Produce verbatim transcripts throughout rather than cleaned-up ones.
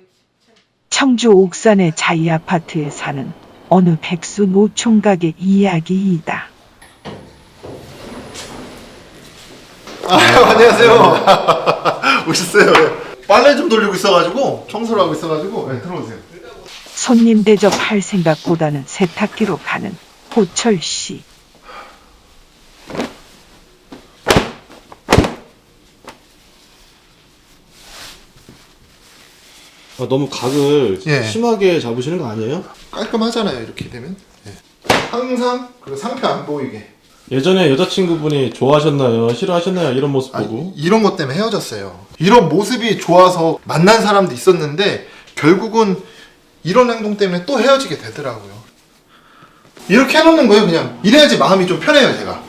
청주 옥산의 자이 아파트에 사는 어느 백수 노총각의 이야기이다. 아, 안녕하세요. 오셨어요. 빨래 좀 돌리고 있어가지고 청소를 하고 있어가지고 네, 들어오세요. 손님 대접할 생각보다는 세탁기로 가는 호철 씨. 아, 너무 각을 예. 심하게 잡으시는 거 아니에요? 깔끔하잖아요. 이렇게 되면. 네. 항상 그리고 상표 안 보이게. 예전에 여자친구분이 좋아하셨나요? 싫어하셨나요? 이런 모습 아니, 보고. 이런 것 때문에 헤어졌어요. 이런 모습이 좋아서 만난 사람도 있었는데 결국은 이런 행동 때문에 또 헤어지게 되더라고요. 이렇게 해놓는 거예요. 그냥 이래야지 마음이 좀 편해요. 제가.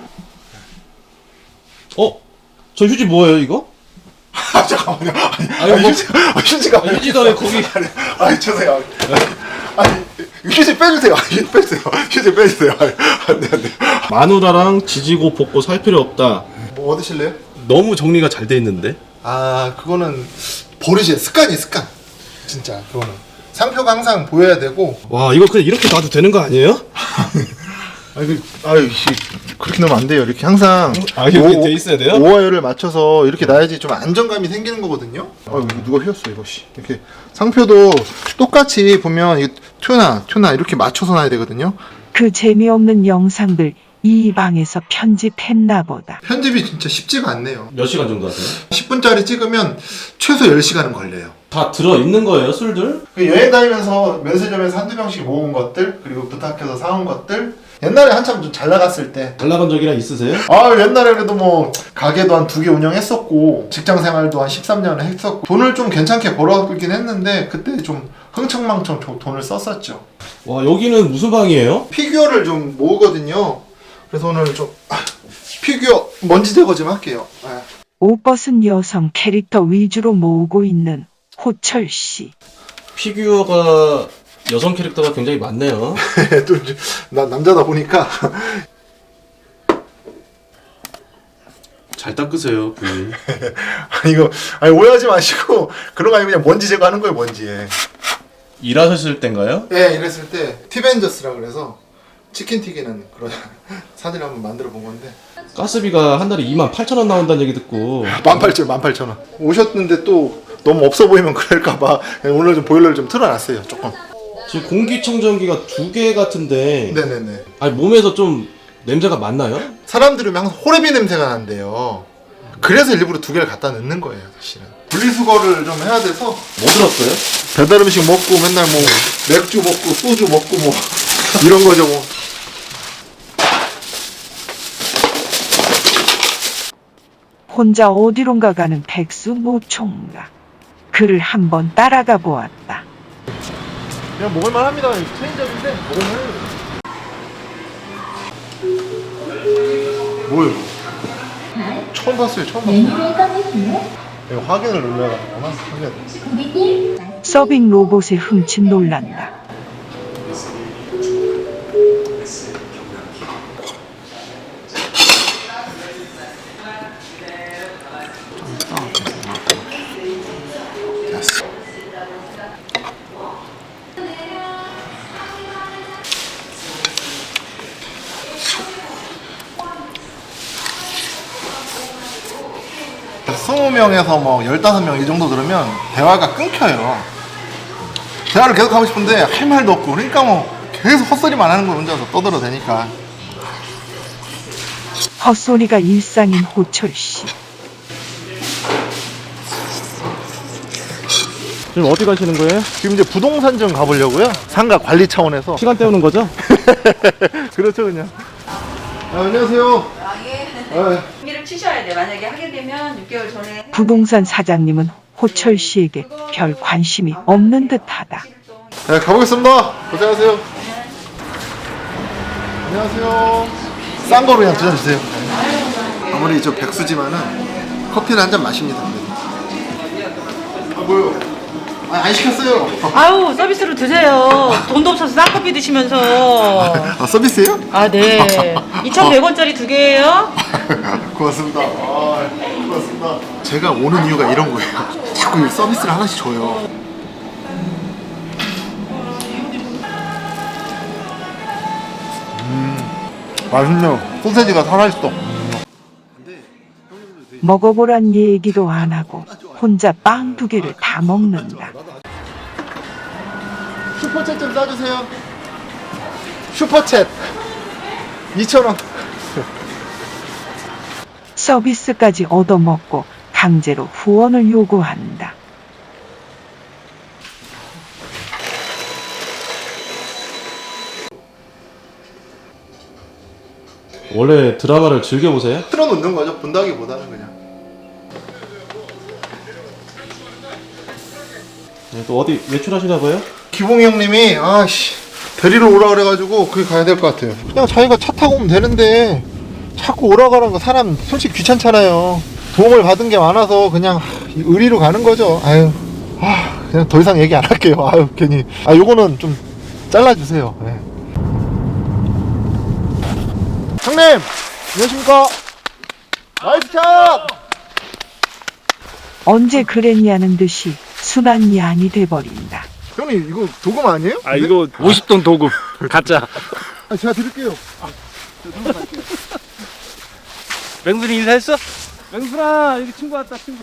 어? 저 휴지 뭐예요 이거? 아 잠깐만요. 아니, 아니, 아니, 뭐- 휴지, 아, 휴지가 아, 휴지도 왜 거기. 아니, 아니 죄송해요. 아니 휴지 빼주세요. 휴지 빼주세요. 휴지 빼주세요. 아니, 안돼 안돼. 마누라랑 지지고 볶고 살 필요 없다. 뭐 얻으실래요? 너무 정리가 잘 돼 있는데. 아 그거는 버릇이에요. 습관이 습관. 진짜 그거는 상표가 항상 보여야 되고. 와 이거 그냥 이렇게 놔도 되는 거 아니에요? 아이 그 아유 씨 그렇게 넣으면 안 돼요. 이렇게 항상 아, 이렇게 돼 있어야 돼요? 오와열을 맞춰서 이렇게 놔야지 좀 안정감이 생기는 거거든요. 아 이거 누가 휘었어 이거 씨. 이렇게 상표도 똑같이 보면 이 튜나 튜나 이렇게 맞춰서 놔야 되거든요. 그 재미없는 영상들 이 방에서 편집했나 보다. 편집이 진짜 쉽지가 않네요. 몇 시간 정도 하세요? 십 분짜리 찍으면 최소 열 시간은 걸려요. 다 들어 있는 거예요 술들? 그 여행 다니면서 면세점에서 한두 병씩 모은 것들, 그리고 부탁해서 사온 것들. 옛날에 한참 좀 잘 나갔을 때. 잘 나간 적이나 있으세요? 아 옛날에 그래도 뭐 가게도 한 두 개 운영했었고 직장 생활도 한 십삼 년을 했었고 돈을 좀 괜찮게 벌어들긴 했는데 그때 좀 흥청망청 좀 돈을 썼었죠. 와 여기는 무슨 방이에요? 피규어를 좀 모으거든요. 그래서 오늘 좀 아, 피규어 먼지 제거 좀 할게요. 아. 옷 벗은 여성 캐릭터 위주로 모으고 있는 호철 씨. 피규어가 여성 캐릭터가 굉장히 많네요. 또 이제 나 남자다 보니까 잘 닦으세요 부인. 아니 이거 아니 오해하지 마시고 그런 거 아니고 그냥 먼지 제거하는 거예요 먼지. 예, 일하셨을 땐가요? 네, 이랬을 때 티벤저스라 그래서 치킨 튀기는 그런 사진 한번 만들어 본 건데 가스비가 한 달에 이만 팔천 원 나온다는 얘기 듣고. 만 팔천 만 팔천 원 오셨는데 또 너무 없어 보이면 그럴까봐 오늘 좀 보일러를 좀 틀어놨어요 조금. 지금 공기청정기가 두 개 같은데. 네네네. 아니 몸에서 좀 냄새가 많나요? 사람들이 오면 항상 호레비 냄새가 난대요. 그래서 일부러 두 개를 갖다 넣는 거예요 사실은. 분리수거를 좀 해야 돼서. 뭐 들었어요? 배달 음식 먹고 맨날 뭐 맥주 먹고 소주 먹고 뭐 이런 거죠 뭐. 혼자 어디론가 가는 백수 노총각. 그를 한번 따라가 보았다. 그냥 먹을만 합니다. 체인점인데 먹을만 해요. 뭐예요? 처음 봤어요. 처음 봤어요. 이거 확인을 눌러야 하나? 확인. 서빙 로봇에 훔친 놀란다. 스무 명에서 뭐 열다섯 명 이 정도 들으면 대화가 끊겨요. 대화를 계속 하고 싶은데 할 말도 없고 그러니까 뭐 계속 헛소리만 하는 거 혼자서 떠들어대니까. 헛소리가 일상인 호철 씨. 지금 어디 가시는 거예요? 지금 이제 부동산 좀 가보려고요. 상가 관리 차원에서. 시간 때우는 거죠? 그렇죠 그냥. 아, 안녕하세요. 아, 예. 아, 준비를 치셔야 돼. 만약에 하게 되면 육 개월 전에 부동산 사장님은 호철 씨에게 별 관심이 없는 듯하다. 네, 가보겠습니다. 고생하세요. 안녕하세요. 싼 거로 그냥 두 잔 주세요. 아무리 저 백수지만은 커피를 한 잔 마십니다. 아 뭐요? 아, 안 시켰어요. 아우 서비스로 드세요. 돈도 없어서 쌍커피 드시면서. 아 서비스예요? 아 네. 이천백 원짜리 두 개예요. 고맙습니다. 아, 고맙습니다. 제가 오는 이유가 이런 거예요. 자꾸 서비스를 하나씩 줘요. 맛있네요. 소세지가 살아있어. 먹어보란 얘기도 안 하고 혼자 빵 두 개를 다 먹는다. 슈퍼챗 좀 싸주세요. 슈퍼챗 이천 원. 서비스까지 얻어먹고 강제로 후원을 요구한다. 원래 드라마를 즐겨보세요? 틀어놓는 거죠. 본다기보다는 그냥. 네, 또 어디 외출하시나 봐요? 기봉이 형님이 아씨 데리러 오라 그래가지고 거기 가야 될 것 같아요. 그냥 자기가 차 타고 오면 되는데 자꾸 오라 가라는 거 사람 솔직히 귀찮잖아요. 도움을 받은 게 많아서 그냥 의리로 가는 거죠. 아유, 아 그냥 더 이상 얘기 안 할게요. 아유 괜히 아 요거는 좀 잘라주세요. 네. 형님 안녕하십니까? 나이스 샷! 언제 그랬냐는 듯이 순한 양이 돼버린다. 형님 이거 도금 아니에요? 아 이거 오십 돈 도금 가짜. 아, 제가 드릴게요. 맹순이 인사했어? 맹순아 여기 친구 왔다 친구.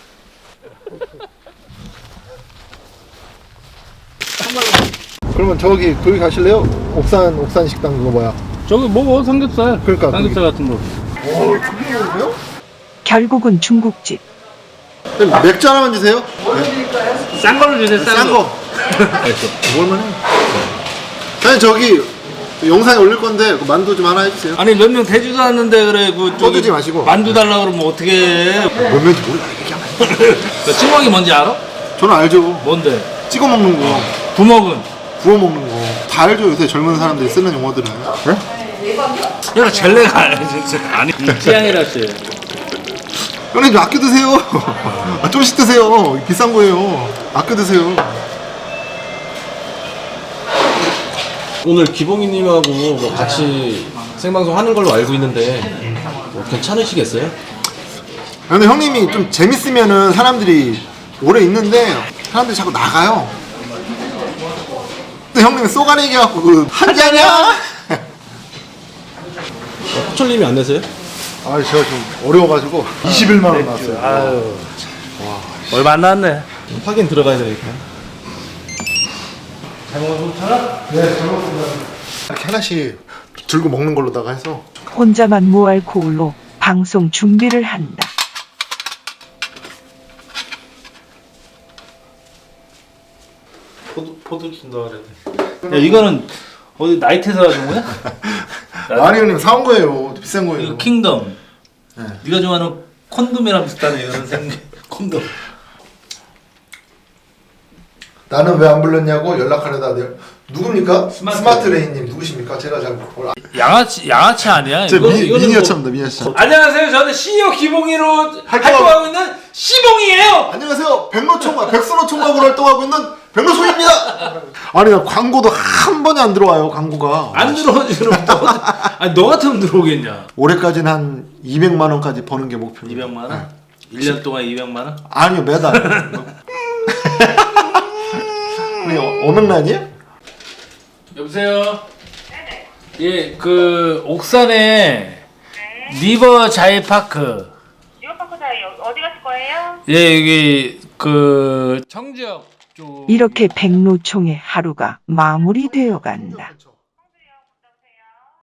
그러면 저기 거기 가실래요? 옥산 옥산 식당 그거 뭐야? 저기 먹어 삼겹살. 그러니까, 삼겹살 같은 거. 오, 그게 뭐예요? 결국은 중국집. 맥주 하나만 주세요. 싼 걸로 주세요. 싼, 싼 거. 거. 먹을만해. 사장님 저기 영상에 올릴 건데 그 만두 좀 하나 해주세요. 아니 몇 명 되지도 않는데 그래 그 저기 떠들지 마시고. 만두 달라 그러면 어떻게 해? 몇 명인지 몰라. 얘기하면 안 돼. 그 찌먹이 뭔지 알아? 저는 알죠. 뭔데? 찍어 먹는 거, 부먹은. 구워 먹는 거. 다 알죠. 요새 젊은 사람들이 쓰는 용어들은. 네? 얘가 젤레가 아니야 진짜. 아니 취향이라 씨. 형님 좀 아껴 드세요. 아, 좀씩 드세요. 비싼 거예요. 아껴 드세요. 오늘 기봉이님하고 뭐 같이 생방송 하는 걸로 알고 있는데 뭐 괜찮으시겠어요? 근데 형님이 좀 재밌으면은 사람들이 오래 있는데 사람들이 자꾸 나가요. 근데 형님이 쏘가리 해갖고 그 한자냐? 어, 포철님이 안 내세요? 아 제가 좀 어려워가지고 이십일만 원 나왔어요. 아유. 얼마 안 나왔네. 확인 들어가야 되니까. 네, 잘 먹습니다. 이렇게 하나씩 들고 먹는 걸로다가 해서. 혼자만 무알코올로 방송 준비를 한다. 포도 포도 준다 그랬네. 야 이거는 어디 나이트에서 가진 거야? 아니 형님 사온 거예요. 비싼 거예요. 이거 킹덤. 네. 네가 좋아하는 콘돔이랑 비슷하네 이거는 생긴 콘돔. 나는 왜 안 불렀냐고 연락하려다 돼요. 누굽니까? 스마트. 스마트 레인님 누구십니까? 제가 잘 몰라. 양아치 양아치 아니야? 제 이거- 미, 이거는 미니어처입니다. 미니어처. 안녕하세요. 저는 씨이오 기봉이로 활동하고 있는 시봉이에요. 안녕하세요. 백로총각, 백선호총각으로 활동하고 있는 백로총입니다. 아니 나 광고도 한 번에 안 들어와요. 광고가. 안 들어오지 그럼 또 아니 너 같으면 들어오겠냐? 올해까지는 한 이백만 원까지 버는 게 목표입니다. 이백만 원? 일 년 동안 이백만 원? 아니요 매달. 우리 어명란이에요? 여보세요. 네네. 예, 그 옥산에 리버 자이파크. 리버파크 사이 어디 가실 거예요? 예, 여기 그 청지역 쪽. 이렇게 백로총의 하루가 마무리되어 간다.